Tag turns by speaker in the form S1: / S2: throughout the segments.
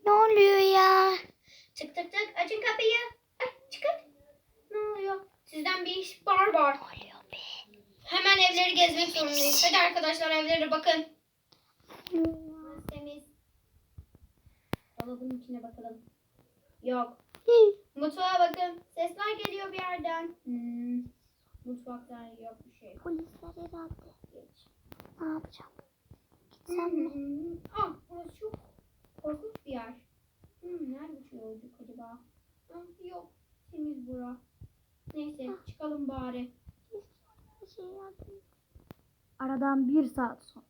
S1: Ne oluyor ya?
S2: Tık tık tık. Açın kapıyı. Ay, çıkın. Ne oluyor? Sizden bir ihbar var.
S1: Ne oluyor be?
S2: Hemen evleri gezmek zorundayız. Hadi arkadaşlar evlere bakın. Temiz. Dolabın içine bakalım. Yok. Mutfağa bakın. Sesler geliyor bir yerden. Mutfakta yok bir şey.
S1: Polisler herhalde.
S2: Geç.
S1: Ne yapacağım? Gitsem mi?
S2: Burası çok korkunç bir yer. Nerede şu yolcuk acaba? Yok. Temiz bura. Neyse çıkalım bari.
S1: Aradan 1 saat sonra.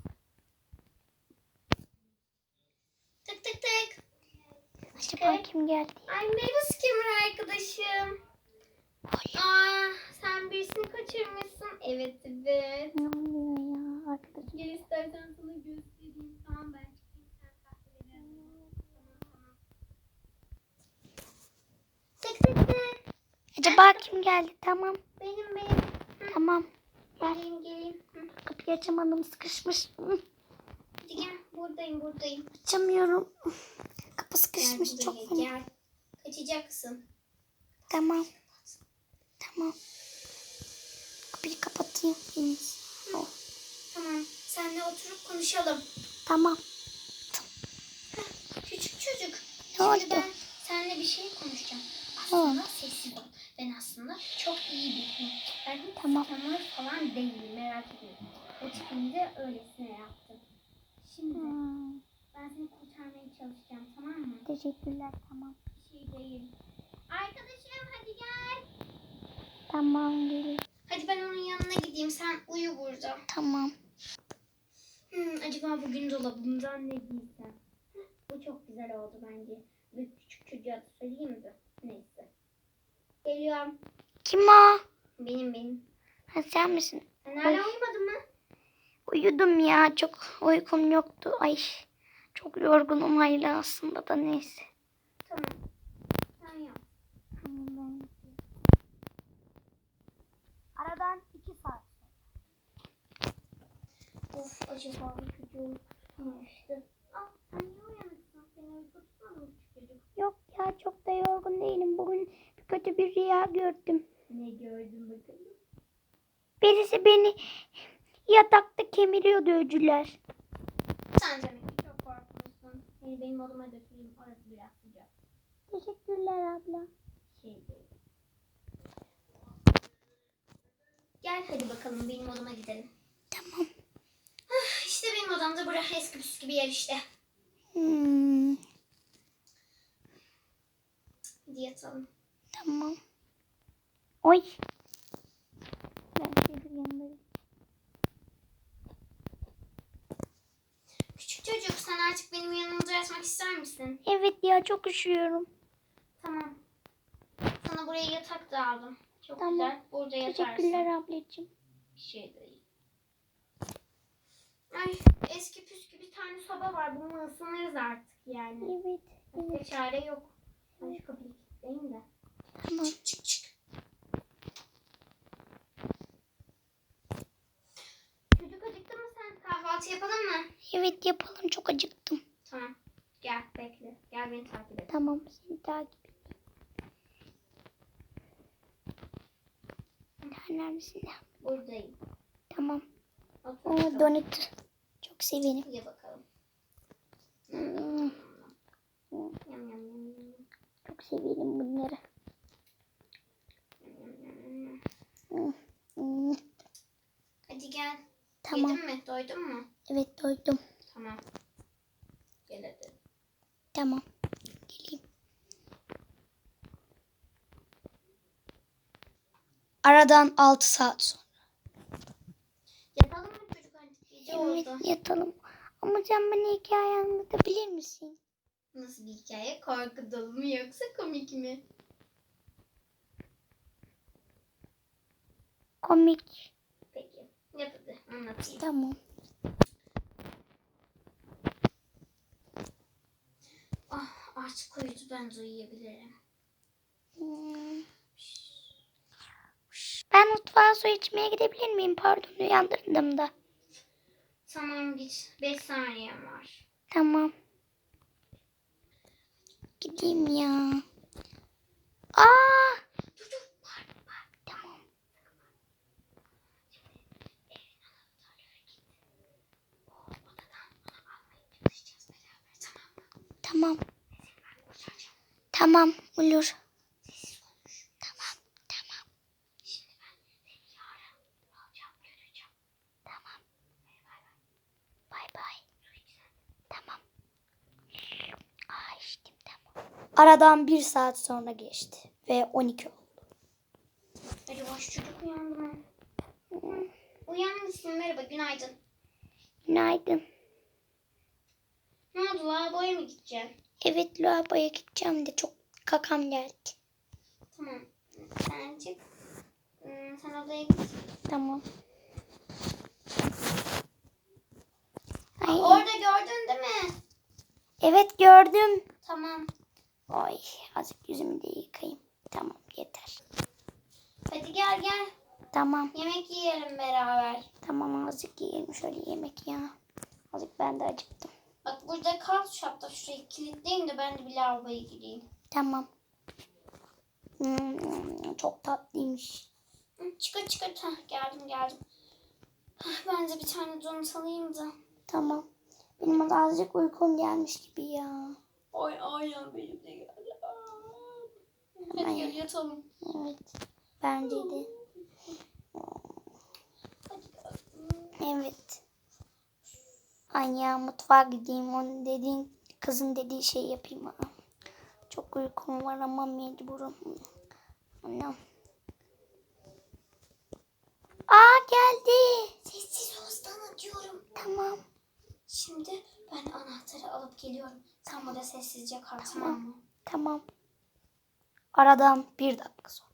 S2: Tık tık tık.
S1: Acaba kim geldi?
S2: Ay merhaba Skimmer arkadaşım. Sen birisini kaçırmışsın. Evet.
S1: Ne oluyor ya arkadaşım?
S2: Gel istersen sana göstereyim. Tamam ben çıkayım sen kahveleri. Tamam. Tık tık tık.
S1: Acaba kim geldi? Tamam.
S2: Benim.
S1: Tamam.
S2: Geleyim.
S1: Kapıyı açamadım, sıkışmış.
S2: Hadi gel buradayım.
S1: Açamıyorum. Kapı sıkışmış
S2: Gel
S1: çok
S2: buraya,
S1: fena.
S2: gel. Kaçacaksın.
S1: Tamam. Kapıyı kapatayım.
S2: Tamam. Seninle oturup konuşalım.
S1: Tamam.
S2: Küçük çocuk.
S1: Ne oldu?
S2: Şimdi ben seninle bir şey konuşacağım. Aslında sessiz ol. Ben aslında çok iyi biriyim. Ben hiç
S1: Tamam.
S2: tanır falan değilim. Merak etme. O tipinde öylesine yaptım. Şimdi ben seni kurtarmaya çalışacağım. Tamam mı?
S1: Teşekkürler. Tamam.
S2: Bir şey değil. Arkadaşım hadi gel.
S1: Tamam gelin.
S2: Hadi ben onun yanına gideyim. Sen uyu burada.
S1: Tamam.
S2: Acaba bugün dolabımdan ne giysem? Bu çok güzel oldu bence. Bir küçük çocuğa da söyleyeyim mi? Neyse. Geliyorum.
S1: Kim o?
S2: Benim.
S1: Ha, sen misin?
S2: Sen hala uyumadın mı?
S1: Uyudum ya. Çok uykum yoktu. Ay. Çok yorgunum hala aslında da neyse.
S2: Tamam. Sen yap.
S1: Aradan 2 saat.
S2: Of acaba bu çocuğu tutmamıştı. Sen niye uyanıksın? Seni uyku tutmadı mı çocuk?
S1: Yok ya çok da yorgun değilim. Bugün kötü bir rüya gördüm.
S2: Ne gördün bakalım?
S1: Birisi beni yatakta kemiriyordu öcüler.
S2: Sen demek ki çok korkmuşsun. Seni benim odama götüreyim. Orası biraz sıcak.
S1: Teşekkürler abla.
S2: Şey değil. Gel hadi bakalım benim odama gidelim.
S1: Tamam.
S2: İşte benim odamda burası eski püskü bir yer işte. Hadi yatalım.
S1: Tamam. Oy. Ben senin yanındayım.
S2: Küçük çocuk sen artık benim yanımda yatmak ister misin?
S1: Evet ya çok üşüyorum.
S2: Tamam. Sana buraya yatak da aldım. Çok
S1: Tamam.
S2: güzel. Burada yatarsın.
S1: Teşekkürler ablacığım.
S2: Bir şey değil. Ay eski püskü bir tane soba var. Bununla ısınırız artık yani.
S1: Evet.
S2: Başka çare yok. Ben şu kapıyı kilitleyeyim de.
S1: Tamam.
S2: Çık. Çocuk acıktın mı sen? Kahvaltı yapalım mı?
S1: Evet yapalım çok acıktım.
S2: Tamam. Gel bekle. Gel beni takip et.
S1: Tamam seni takip edeyim. Neredesin?
S2: Buradayım.
S1: Tamam.
S2: Otur
S1: O
S2: bakalım.
S1: donut. Çok severim.
S2: Ye bakalım. Yam.
S1: Çok severim bunları.
S2: Hadi gel.
S1: Tamam.
S2: Yedin mi? Doydun mu?
S1: Evet doydum.
S2: Tamam. Gel hadi.
S1: Tamam. Geleyim. Aradan 6 saat sonra.
S2: Yatalım mı çocuk artık? Gece
S1: Evet
S2: oldu.
S1: yatalım. Ama sen bana hikaye anlatabilir misin?
S2: Nasıl bir hikaye? Korku dolu mu yoksa komik mi?
S1: Komik.
S2: Peki. Yap hadi anlatayım.
S1: Tamam.
S2: Artık uyudu ben de uyuyabilirim.
S1: Ben mutfağa su içmeye gidebilir miyim? Pardon uyandırdım da.
S2: Tamam git. 5 saniyem var.
S1: Tamam. Gideyim ya. Aa! Tamam. Tamam. Tamam olur. Tamam. Tamam. Tamam. Bay bay. Tamam. Aa, içtim, tamam. Aradan 1 saat sonra geçti. Ve 12 oldu.
S2: Hadi boş çocuk uyandı mı? Uyanmışsın. Merhaba, günaydın.
S1: Günaydın.
S2: Ne oldu, lavaboya mı gideceksin?
S1: Evet, lavaboya gideceğim de çok kakam geldi.
S2: Tamam. Sen çık. Sen odaya git.
S1: Tamam. Ay,
S2: Orada gördün değil mi?
S1: evet gördüm.
S2: Tamam.
S1: Ay, azıcık yüzümü de yıkayayım. Tamam, yeter.
S2: Hadi gel gel.
S1: Tamam.
S2: Yemek yiyelim beraber.
S1: Tamam, azıcık yiyelim şöyle yemek ya. Azıcık ben de acıktım.
S2: Bak burada kal, şu hatta şurayı kilitleyeyim de ben de bir lavaboya gireyim.
S1: Tamam. Çok tatlıymış.
S2: Çıkar çıkar. Heh, geldim. Ben de bir tane donut alayım da.
S1: Tamam. Benim azıcık uykum gelmiş gibi ya.
S2: Aynen benim de geldi. Hadi
S1: Ay.
S2: gel yatalım.
S1: Evet. Bence de.
S2: Hadi gel.
S1: Evet. Ay ya, mutfağa gideyim. Onun dediğin, kızın dediği şeyi yapayım. Ha. Çok uykum var ama mecburum. Anam. Aa, geldi.
S2: Sessiz ol, sana diyorum.
S1: Tamam.
S2: Şimdi ben anahtarı alıp geliyorum. Sen burada sessizce kal, tamam mı?
S1: Tamam. Aradan 1 dakika sonra.